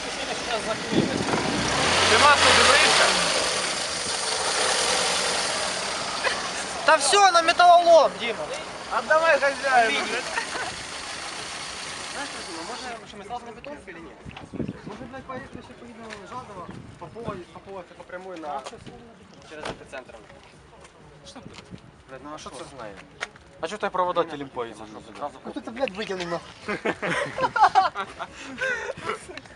Ти масло дивишся? Та все, на металлолом, Дима. Отдавай хозяину. Знаешь, может, что мы сразу на бетонку или нет? Может, блядь, поехали еще поедем на Жадово, по прямой на... через эпицентр. Что ты? Блядь, ну а что ты знаешь? А что ты провода телепоится? Ну ты, блядь, вытянул нахуй.